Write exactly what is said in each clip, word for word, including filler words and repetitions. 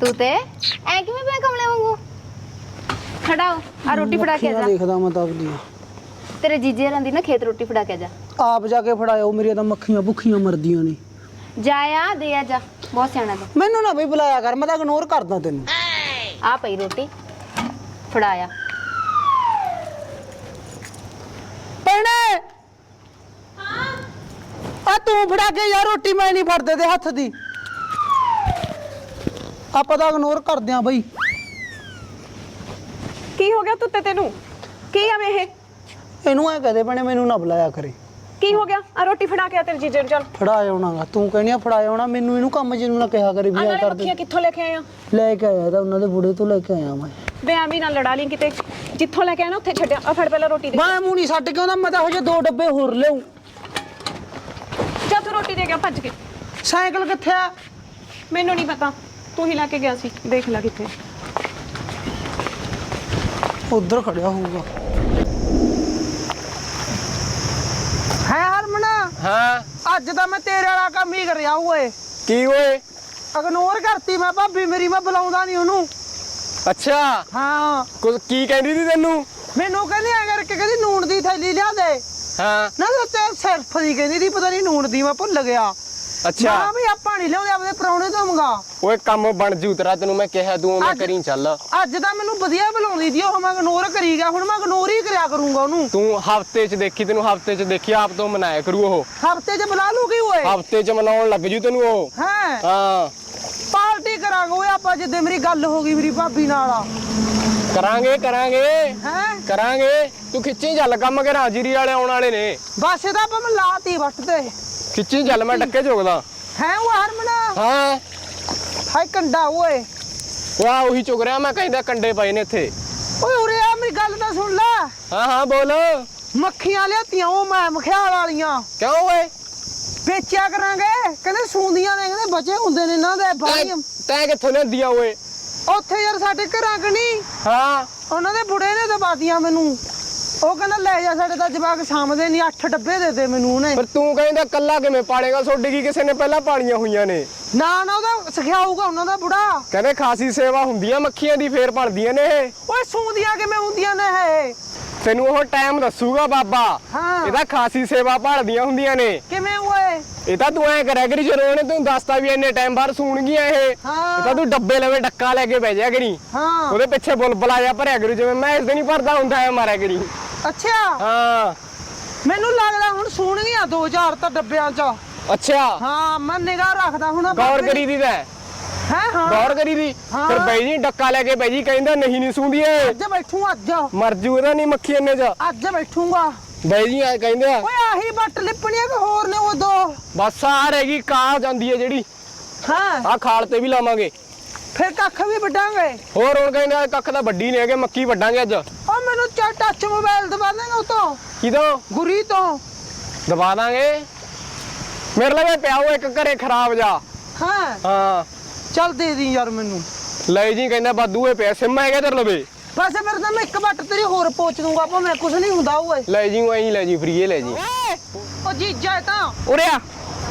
तू ते ऐ किवें पिया कमले वांगू खड़ाओ आ रोटी फड़ा के जा देखदा मैं तब दी तेरे जीजे रंदी ना खेत रोटी फड़ा के जा आप जाके फड़ाओ मेरी तो मक्खियां भुखियां मरदियां ने जाया दे आ जा बहुत सियाना तू मैनू ना बई बुलाया कर मैं तो इग्नोर करदा तेनू आ पई रोटी फड़ाया भैणे हां आ तू फड़ा के यार रोटी मैं नहीं फड़दे ते हत्थ दी ਆਪਾਂ ਤਾਂ ਇਗਨੋਰ ਕਰਦੇ ਆ ਬਈ ਕੀ ਹੋ ਗਿਆ ਤੁੱਤੇ ਤੈਨੂੰ ਕੀ ਆ ਵੇ ਇਹ ਇਹਨੂੰ ਐ ਕਹਦੇ ਭੈਣੇ ਮੈਨੂੰ ਨਾ ਬੁਲਾਇਆ ਕਰੇ ਕੀ ਹੋ ਗਿਆ ਆ ਰੋਟੀ ਫੜਾ ਕੇ ਆ ਤੇਰੇ ਜੀਜੇ ਨੂੰ ਚੱਲ ਫੜਾ ਆਉਣਾਗਾ ਤੂੰ ਕਹਿਣੀ ਆ ਫੜਾ ਆਉਣਾ ਮੈਨੂੰ ਇਹਨੂੰ ਕੰਮ ਜਿਹਨੂੰ ਨਾ ਕਿਹਾ ਕਰੇ ਵੀ ਆ ਕਰ ਦੇ ਕਿੱਥੋਂ ਲੈ ਕੇ ਆਇਆ ਲੈ ਕੇ ਆਇਆ ਤਾਂ ਉਹਨਾਂ ਦੇ ਬੁੜੇ ਤੋਂ ਲੈ ਕੇ ਆਇਆ ਮੈਂ ਵੇ ਐਵੇਂ ਨਾ ਲੜਾ ਲਈ ਕਿਤੇ ਜਿੱਥੋਂ ਲੈ ਕੇ ਆਇਆ ਨਾ ਉੱਥੇ ਛੱਡਿਆ ਆ ਫੜ ਪਹਿਲਾਂ ਰੋਟੀ ਦੇ ਮੈਂ ਮੂੰਹ ਨਹੀਂ ਛੱਡ ਕੇ ਆਉਂਦਾ ਮੈਂ ਤਾਂ ਹਜੇ ਦੋ ਡੱਬੇ ਹੋਰ ਲਿਆਉਂ ਚੱਲ ਤੂੰ ਰੋਟੀ ਦੇ ਗਿਆ ਭੱਜ ਕੇ ਸਾਈਕਲ ਕਿੱਥੇ ਆ ਮੈਨੂੰ ਨਹੀਂ ਪਤਾ ਤੂੰ ਹੀ ਲੈ ਕੇ ਗਿਆ ਸੀ ਦੇਖ ਲੈ ਕਿੱਥੇ ਉਧਰ ਖੜਿਆ ਹੋਊਗਾ ਹੈ ਹਰਮਨ ਹਾਂ ਅੱਜ ਤਾਂ ਮੈਂ ਤੇਰੇ ਵਾਲਾ ਕੰਮ ਹੀ ਕਰਿਆ ਓਏ ਕੀ ਓਏ ਇਗਨੋਰ ਕਰਤੀ ਮੈਂ ਭਾਬੀ ਮੇਰੀ ਮੈਂ ਬੁਲਾਉਂਦਾ ਨਹੀਂ ਉਹਨੂੰ ਅੱਛਾ ਹਾਂ ਕੁਝ ਕੀ ਕਹਿੰਦੀ ਸੀ ਤੈਨੂੰ ਮੈਨੂੰ ਕਹਿੰਦੀ ਐ ਕਰਕੇ ਕਹਿੰਦੀ ਨੂਣ ਦੀ ਥੈਲੀ ਲਿਆ ਦੇ ਹਾਂ ਨਾ ਤੇ ਸਿਰਫ ਦੀ ਕਹਿੰਦੀ ਦੀ ਪਤਾ ਨਹੀਂ ਨੂਣ ਦੀ ਮੈਂ ਭੁੱਲ ਗਿਆ ਅੱਛਾ ਮੈਂ ਵੀ ਆਪਾਂ ਨਹੀਂ ਲਿਆਉਂਦੇ ਆਪਣੇ ਪਰੌਣੇ ਤੋਂ ਮੰਗਾ ਓਏ ਕੰਮ ਬਣ ਜੂ ਤੇਰਾ ਤੈਨੂੰ ਮੈਂ ਕਿਹਾ ਤੂੰ ਮੈਂ ਕਰੀ ਚੱਲ ਅੱਜ ਤਾਂ ਮੈਨੂੰ ਵਧੀਆ ਬੁਲਾਉਂਦੀ ਦੀ ਉਹ ਮੈਂ ਇਗਨੋਰ ਕਰੀ ਗਿਆ ਹੁਣ ਮੈਂ ਇਗਨੋਰ ਹੀ ਕਰਿਆ ਕਰੂੰਗਾ ਉਹਨੂੰ ਤੂੰ ਹਫਤੇ 'ਚ ਦੇਖੀ ਤੈਨੂੰ ਹਫਤੇ 'ਚ ਦੇਖੀ ਆਪ ਤੋਂ ਮਨਾਇਆ ਕਰੂ ਉਹ ਹਫਤੇ 'ਚ ਬੁਲਾ ਲੂਗੀ ਓਏ ਹਫਤੇ 'ਚ ਮਨਾਉਣ ਲੱਗ ਜੂ ਤੈਨੂੰ ਉਹ ਹੈ ਹਾਂ ਪਾਰਟੀ ਕਰਾਂਗੇ ਓਏ ਆਪਾਂ ਜਿੱਦੇ ਮੇਰੀ ਗੱਲ ਹੋ ਗਈ ਮੇਰੀ ਭਾਬੀ ਨਾਲ ਕਰਾਂਗੇ ਕਰਾਂਗੇ ਹੈ ਕਰਾਂਗੇ ਤੂੰ ਖਿੱਚੀ ਚੱਲ ਕੰਮ ਕਿ ਹਾਜ਼ਰੀ ਵਾਲੇ ਆਉਣ ਵਾਲੇ ਨੇ ਬਸ ਇਹਦਾ ਆਪਾਂ ਮੈਂ ਲਾਤੀ ਵੱਟ ਤੇ ਖਿੱਚੀ ਚੱਲ ਮੈਂ ਡੱਕੇ ਝੋਕਦਾ ਹੈ ਉਹ ਹਰਮਨ ਹਾਂ ਹਾਏ ਕੰਡਾ ਓਏ ਵਾਹ ਉਹੀ ਚੁਗ ਰਿਹਾ ਮੈਂ ਕਹਿੰਦਾ ਕੰਡੇ ਪਏ ਨੇ ਇੱਥੇ ਓਏ ਉਰੇ ਆ ਮੇਰੀ ਗੱਲ ਤਾਂ ਸੁਣ ਲੈ ਹਾਂ ਹਾਂ ਬੋਲ ਮੱਖੀਆਂ ਲਿਆਤੀਆਂ ਉਹ ਮੈਂ ਮਖਿਆਲ ਵਾਲੀਆਂ ਕਿਉਂ ਓਏ ਵੇਚਿਆ ਕਰਾਂਗੇ ਕਹਿੰਦੇ ਸੂੰਦੀਆਂ ਨੇ ਕਹਿੰਦੇ ਬਚੇ ਹੁੰਦੇ ਨੇ ਇਹਨਾਂ ਦੇ ਬਾਈਆਂ ਤੈਂ ਕਿੱਥੋਂ ਲਿਆਂਦੀਆਂ ਓਏ ਉੱਥੇ ਯਾਰ ਸਾਡੇ ਘਰਾਂ ਕਣੀ ਹਾਂ ਉਹਨਾਂ ਦੇ ਬੁੜੇ ਨੇ ਦਬਾਦੀਆਂ ਮੈਨੂੰ ਉਹ ਕਹਿੰਦਾ ਲੈ ਜਾ ਸਾਡੇ ਤਾਂ ਜਵਾਕ ਸਾਹਮਣੇ ਨਹੀਂ ਅੱਠ ਡੱਬੇ ਦੇ ਦੇ ਮੈਨੂੰ ਉਹਨੇ ਪਰ ਤੂੰ ਕਹਿੰਦਾ ਕੱਲਾ ਕਿਵੇਂ ਪਾਲੇਗਾ ਛੋਡੀ ਕੀ ਕਿਸੇ ਨੇ ਪਹਿਲਾਂ ਪਾਲੀਆਂ ਹੋਈਆਂ ਨੇ ਨਾ ਨਾ ਉਹਦਾ ਸਿਖਾਊਗਾ ਉਹਨਾਂ ਦਾ ਬੁੜਾ ਕਹਿੰਦੇ ਖਾਸੀ ਸੇਵਾ ਹੁੰਦੀਆਂ ਮੱਖੀਆਂ ਦੀ ਫੇਰ ਪਲਦੀਆਂ ਨੇ ਇਹ ਓਏ ਸੂੰਦੀਆਂ ਕਿਵੇਂ ਹੁੰਦੀਆਂ ਨੇ ਇਹ ਤੈਨੂੰ ਉਹ ਟਾਈਮ ਦੱਸੂਗਾ ਬਾਬਾ ਹਾਂ ਇਹਦਾ ਖਾਸੀ ਸੇਵਾ ਭਾਲਦੀਆਂ ਹੁੰਦੀਆਂ ਨੇ ਕਿਵੇਂ ਓਏ ਇਹ ਤਾਂ ਤੂੰ ਐ ਕਰਿਆ ਕਰੀ ਜਦੋਂ ਉਹਨੇ ਤੈਨੂੰ ਦੱਸਤਾ ਵੀ ਇੰਨੇ ਟਾਈਮ ਬਾਅਦ ਸੂਣਗੀਆਂ ਇਹ ਇਹ ਹਾਂ ਤਾਂ ਤੂੰ ਡੱਬੇ ਲਵੇ ਡੱਕਾ ਲੈ ਕੇ ਬਹਿ ਜਾ ਕਰੀ ਹਾਂ ਉਹਦੇ ਪਿੱਛੇ ਬੁਲਬੁਲ ਆ ਜਾ ਭਰਿਆ ਕਰੂ ਜਿਵੇਂ ਮੈਂ ਇਸ ਦਿਨ ਹੀ ਭਰਦਾ ਹੁੰਦਾ ਐ ਮਾਰਿਆ ਕਰੀ ਅੱਛਾ ਹਾਂ ਮੈਨੂੰ ਲੱਗਦਾ ਹੁਣ ਸੂਣਗੀਆਂ ਦੋ ਚਾਰ ਤਾਂ ਡੱਬਿਆਂ 'ਚ ਅੱਛਾ ਹਾਂ ਮੈਂ ਨਿਗਾਹ ਰੱਖਦਾ ਹੁਣ ਗੌਰ ਕਰੀ ਦੀ ਤਾਂ ਹੈ ਹਾਂ ਗੌਰ ਕਰੀ ਦੀ ਫਿਰ ਬਈ ਜੀ ਡੱਕਾ ਲੈ ਕੇ ਬਈ ਜੀ ਕਹਿੰਦਾ ਨਹੀਂ ਨਹੀਂ ਸੂੰਦੀ ਏ ਅੱਜ ਬੈਠੂ ਅੱਜ ਮਰ ਜੂ ਇਹਦਾ ਨਹੀਂ ਮੱਖੀ ਇੰਨੇ ਚ ਅੱਜ ਬੈਠੂਗਾ ਬਈ ਜੀ ਆ ਕਹਿੰਦੇ ਆ ਓਏ ਆਹੀ ਬੱਟ ਲਿਪਣੀਆਂ ਕਿ ਹੋਰ ਨੇ ਉਹ ਦੋ ਬਸ ਆ ਰਹੇਗੀ ਕਾਂ ਜਾਂਦੀ ਹੈ ਜਿਹੜੀ ਹਾਂ ਆ ਖਾਲ ਤੇ ਵੀ ਲਾਵਾਂਗੇ ਫਿਰ ਕੱਖ ਵੀ ਵੱਢਾਂਗੇ ਹੋਰ ਹੁਣ ਕਹਿੰਦੇ ਆ ਕੱਖ ਤਾਂ ਵੱਡੀ ਨਹੀਂ ਹੈਗੇ ਮੱਕੀ ਵੱਢਾਂਗੇ ਅੱਜ ਓ ਮੈਨੂੰ ਚਾ ਟੱਚ ਮੋਬਾਈਲ ਦਵਾ ਦੇਗਾ ਉਹ ਤੋਂ ਕਿਦੋਂ ਗੁਰੀ ਤੋਂ ਦਬਾ ਦਾਂਗੇ ਮੇਰੇ ਲਵੇ ਪਿਆ ਉਹ ਇੱਕ ਘਰੇ ਖਰਾਬ ਜਾ ਹਾਂ ਹਾਂ ਚੱਲ ਦੇ ਦੀ ਯਾਰ ਮੈਨੂੰ ਲੈ ਜੀ ਕਹਿੰਦਾ ਬਾਦੂ ਇਹ ਪਿਆ ਸਿਮ ਹੈਗਾ ਤੇਰੇ ਲਵੇ ਬਸ ਫਿਰ ਤਾਂ ਮੈਂ ਇੱਕ ਬੱਟ ਤੇਰੀ ਹੋਰ ਪੋਚ ਦੂੰਗਾ ਆਪਾਂ ਮੈਂ ਕੁਝ ਨਹੀਂ ਹੁੰਦਾ ਓਏ ਲੈ ਜੀ ਉਹ ਐਂ ਲੈ ਜੀ ਫਰੀਏ ਲੈ ਜੀ ਓ ਜੀਜਾ ਇਹ ਤਾਂ ਉਰੇ ਆ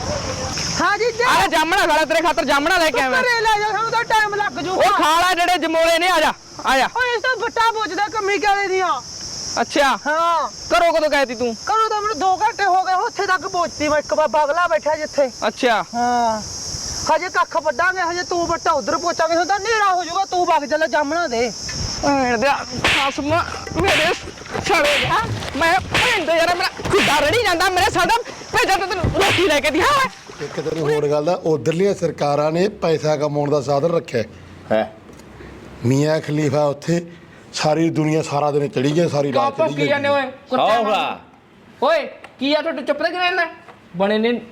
ਹਾਂ ਜੀਜਾ ਆ ਜਾਮਣਾ ਖਾਲਾ ਤੇਰੇ ਖਾਤਰ ਜਾਮਣਾ ਲੈ ਕੇ ਆਵਾਂ ਘਰੇ ਲੈ ਜਾ ਸਾਨੂੰ ਤਾਂ ਟਾਈਮ ਲੱਗ ਜੂਗਾ ਉਹ ਖਾਲਾ ਜਿਹੜੇ ਜਮੋਲੇ ਨੇ ਆ ਜਾ ਆ ਜਾ ਓਏ ਇਸ ਤਾਂ ਬੱਟਾ ਪੋਚਦਾ ਕੰਮੀ ਕਾਲੇ ਦੀਆਂ ਅੱਛਾ ਹਾਂ ਕਰੋ ਕਦੋਂ ਕਹਿਤੀ ਤੂੰ ਕਰੋ ਤਾਂ ਮੈਨੂੰ ਦੋ ਘੰਟੇ ਹੋ ਗਏ ਉੱਥੇ ਤੱਕ ਪਹੁੰਚਦੀ ਮੈਂ ਇੱਕ ਬਾਬਾ ਅਗਲਾ ਬੈਠਾ ਜਿੱਥੇ ਅੱਛਾ ਹਾਂ ਹਜੇ ਕੱਖ ਵੱਢਾਂਗੇ ਹਜੇ ਤੂੰ ਬੱਟਾ ਉਧਰ ਪਹੁੰਚਾਂਗੇ ਹੁਣ ਤਾਂ ਹਨੇਰਾ ਹੋ ਜਾਊਗਾ ਤੂੰ ਵਗ ਚੱਲ ਜਾਮਣਾ ਦੇ ਭੈਣ ਦੇ ਖਾਸਮਾ ਮੇਰੇ ਛੜੇ ਗਿਆ ਮੈਂ ਭੈਣ ਦੇ ਯਾਰ ਮੇਰਾ ਖੁੱਡਾ ਰੜੀ ਜਾਂਦਾ ਮੇਰੇ ਸਾਡਾ ਭੇਜਾ ਤੇ ਤੈਨੂੰ ਰੋਟੀ ਲੈ ਕੇ ਦਿਆ ਇੱਕ ਤੈਨੂੰ ਹੋਰ ਗੱਲ ਦਾ ਉਧਰਲੀਆਂ ਸਰਕਾਰਾਂ ਨੇ ਪੈਸਾ ਕਮਾਉਣ ਦਾ ਸਾਧਨ ਰੱਖਿਆ ਹੈ ਮੀਆਂ ਖਲੀਫਾ ਉੱਥੇ ਸਾਰੀ ਦੁਨੀਆ ਸਾਰਾ ਦਿਨ ਚੜੀ ਗਈ ਸਾਰੀ ਰਾਤ ਚੜੀ ਗਈ ਜਾਂਦੇ ਓਏ ਕੁੱਤਾ ਓਏ ਕੀ ਆ ਤੁਹਾਡੇ ਚੁੱਪ ਤੇ ਕਿਵੇਂ ਬਣੇ ਨੇ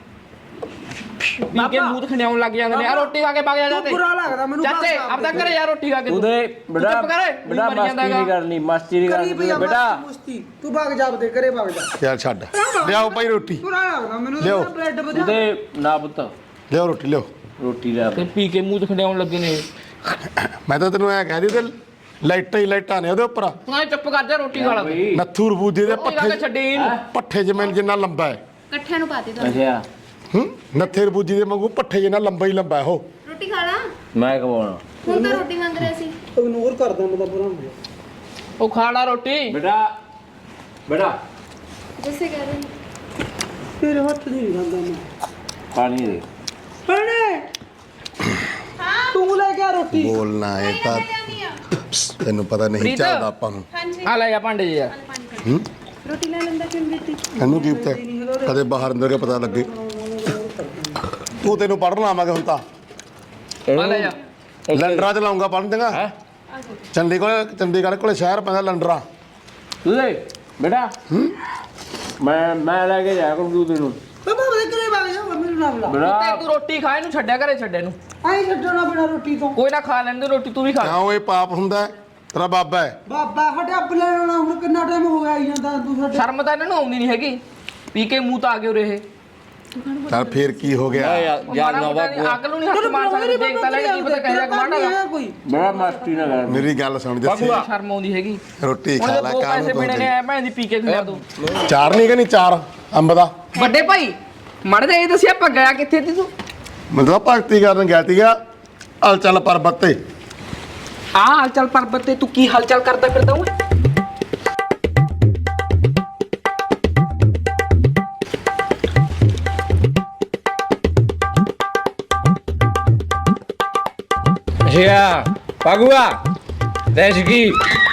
ਵੀ ਕੇ ਮੂੰਹ ਖਣਿਆਉਣ ਲੱਗ ਜਾਂਦੇ ਨੇ ਆ ਰੋਟੀ ਖਾ ਕੇ ਵਗ ਜਾ ਜਾਂਦੇ ਬੁਰਾ ਲੱਗਦਾ ਮੈਨੂੰ ਚਾਚੇ ਆਪ ਤਾਂ ਘਰੇ ਯਾਰ ਰੋਟੀ ਖਾ ਕੇ ਉਹਦੇ ਬੇਟਾ ਚੁੱਪ ਕਰ ਬੇਟਾ ਮਸਤੀ ਨਹੀਂ ਕਰਨੀ ਮਸਤੀ ਨਹੀਂ ਕਰਨੀ ਬੇਟਾ ਮੁਸਤੀ ਤੂੰ ਵਗ ਜਾ ਦੇ ਘਰੇ ਵਗ ਜਾ ਚੱਲ ਛੱਡ ਲਿਆਓ ਭਾਈ ਰੋਟੀ ਬੁਰਾ ਲੱਗਦਾ ਮੈਨੂੰ ਲਿਆਓ। ਤਾਂ ਬ੍ਰੈਡ ਵਧਾ ਉਹਦੇ ਨਾ ਪੁੱਤ ਲਿਆਓ ਰੋਟੀ ਲਿਆਓ ਰੋਟੀ ਲੈ ਤੇ ਪੀ ਕੇ ਮੂੰਹ ਖਣਿਆਉਣ ਲੱਗੇ ਨੇ ਮੈਂ ਤਾਂ ਤੈਨੂੰ ਐ ਕਹਿ ਦੀ ਤੇ ਲਾਈਟਾਂ ਹੀ ਲਾਈਟਾਂ ਨੇ ਉਹਦੇ ਉੱਪਰ ਤੂੰ ਚੁੱਪ ਕਰ ਜਾ ਰੋਟੀ ਖਾ ਲੈ ਨੱਥੂ ਰਬੂਜੇ ਦੇ ਰੋਟੀ ਖਾ ਕੇ ਪੱਠੇ ਛੱਡੀ ਪੱਠੇ ਜਿਵੇਂ ਜਿੰਨਾ ਲੰਬਾ ਹੈ ਇਕੱਠਿਆਂ ਨੂੰ ਪਾਤੀ ਤੁਹਾਨੂੰ ਅੱਛਾ ਹੂੰ ਨੱਥੇ ਰਬੂਜੇ ਦੇ ਵਾਂਗੂ ਪੱਠੇ ਜਿੰਨਾ ਲੰਬਾ ਹੀ ਲੰਬਾ ਹੈ ਉਹ ਰੋਟੀ ਖਾ ਲਾ ਮੈਂ ਖਵਾਉਣਾ ਹੁਣ ਤਾਂ ਰੋਟੀ ਮੰਗ ਰਿਹਾ ਸੀ ਇਗਨੋਰ ਕਰਦਾ ਮੈਂ ਤਾਂ ਪੂਰਾ ਉਹ ਖਾਣਾ ਰੋਟੀ ਬੇਟਾ ਬੇਟਾ ਜਿਸੇ ਕਰ ਰਹੇ ਤੇਰੇ ਹੱਥ ਦੀ ਨਹੀਂ ਖਾਂਦਾ ਮੈਂ ਪਾਣੀ ਦੇ ਭੈਣੇ ਤੂੰ ਲੈ ਕੇ ਆ ਰੋਟੀ ਬੋਲਣਾ ਹੈ ਤਾਂ ਤੈਨੂੰ ਪਤਾ ਨਹੀਂ ਪ੍ਰੀਤ। ਚੱਲਦਾ ਆਪਾਂ ਨੂੰ ਆ ਲੈ ਜਾ ਭਾਂਡੇ ਜੀ ਯਾਰ ਹੂੰ ਰੋਟੀ ਲੈ ਲੈਂਦਾ ਕਿਉਂ ਦਿੱਤੀ ਇਹਨੂੰ ਕੀ ਪਤਾ ਕਦੇ ਬਾਹਰ ਅੰਦਰ ਕੇ ਪਤਾ ਲੱਗੇ ਤੂੰ ਤੈਨੂੰ ਪੜ੍ਹਨ ਆਵਾਂਗੇ ਹੁਣ ਤਾਂ ਆ ਲੈ ਜਾ ਲੰਡਰਾਂ ਚ ਲਾਉਂਗਾ ਪੜ੍ਹਨ ਦੇਗਾ ਹੈ ਚੰਡੀਗੜ੍ਹ ਚੰਡੀਗੜ੍ਹ ਕੋਲੇ ਸ਼ਹਿਰ ਪੈਂਦਾ ਲੰਡਰਾਂ ਤੂੰ ਦੇ ਬੇਟਾ ਮੈਂ ਮੈਂ ਲੈ ਕੇ ਜਾਇਆ ਕਰੂੰ ਤੂੰ ਤੈਨੂੰ ਬਾਬਾ ਉਹਦੇ ਘਰੇ ਵਗ ਜਾ ਮੈਨੂੰ ਨਾ ਬੁਲਾ ਤੇ ਬੇਟਾ ਤੂੰ ਰੋਟੀ ਖਾ ਇਹਨੂੰ ਛੱਡਿਆ ਘਰੇ ਛੱਡੇ ਨੂੰ ਆਈ ਛੱਡਣਾ ਬਿਨਾ ਰੋਟੀ ਤੋਂ ਕੋਈ ਨਾ ਖਾ ਲੈਂਦੇ ਰੋਟੀ ਤੂੰ ਵੀ ਖਾ ਕਿਉਂ ਇਹ ਪਾਪ ਹੁੰਦਾ ਹੈ? ਤੇਰਾ ਬਾਬਾ ਹੈ ਬਾਬਾ ਹਟਿਆ ਬਲਣਾ ਹੁਣ ਕਿੰਨਾ ਟਾਈਮ ਹੋ ਗਿਆ ਆਈ ਜਾਂਦਾ ਤੂੰ ਸਾਡੇ ਸ਼ਰਮ ਤਾਂ ਇਹਨਾਂ ਨੂੰ ਆਉਂਦੀ ਨਹੀਂ ਹੈਗੀ ਪੀ ਕੇ ਮੂੰਹ ਤਾਂ ਆ ਗਏ ਉਰੇ ਇਹ ਚੱਲ ਫੇਰ ਕੀ ਹੋ ਗਿਆ ਯਾਰ ਯਾਰ ਨਾ ਵਾ ਅਕਲ ਨੂੰ ਨਹੀਂ ਹੱਥ ਮਾਰ ਸਕਦੇ ਦੇਖ ਤਾਂ ਲੈ ਕੀ ਪਤਾ ਕਹਿ ਜਾ ਕਮਾਂਡਾ ਕੋਈ ਬੜਾ ਮਸਤੀ ਨਾ ਕਰ ਮੇਰੀ ਗੱਲ ਸੁਣ ਜੱਸੀ ਸ਼ਰਮ ਆਉਂਦੀ ਹੈਗੀ ਰੋਟੀ ਹੁਣ ਖਾ ਜੇ ਲੈ ਦੋ ਕਾਹਨੂੰ ਪੈਸੇ ਮਿਲਣੇ ਨੇ ਕੋਈ ਐ ਭੈਣ ਦੀ ਪੀ ਕੇ ਖਵਾ ਦੋ ਚਾਰ ਨਹੀਂ ਕਿ ਨਹੀਂ ਚਾਰ ਅੰਬ ਦਾ ਵੱਡੇ ਭਾਈ ਮੜ ਜਾ ਇਹ ਦੱਸਿਆ ਆਪਾਂ ਗਿਆ ਕਿੱਥੇ ਤੀ ਤੂੰ ਮਤਲਬ ਭਗਤੀ ਕਰਨ ਗਿਆ ਤੀਗਾ ਹਲ ਚੱਲ ਪਰਬਤ ਤੇ ਆ ਹਲਚਲ ਪਰਬਤ ਤੇ ਤੂੰ ਕੀ ਹਲਚਲ ਕਰਦਾ ਫਿਰਦਾ ਓਏ ਅੱਛਾ ਪਗੂਆ ਦੇਸ਼ ਕੀ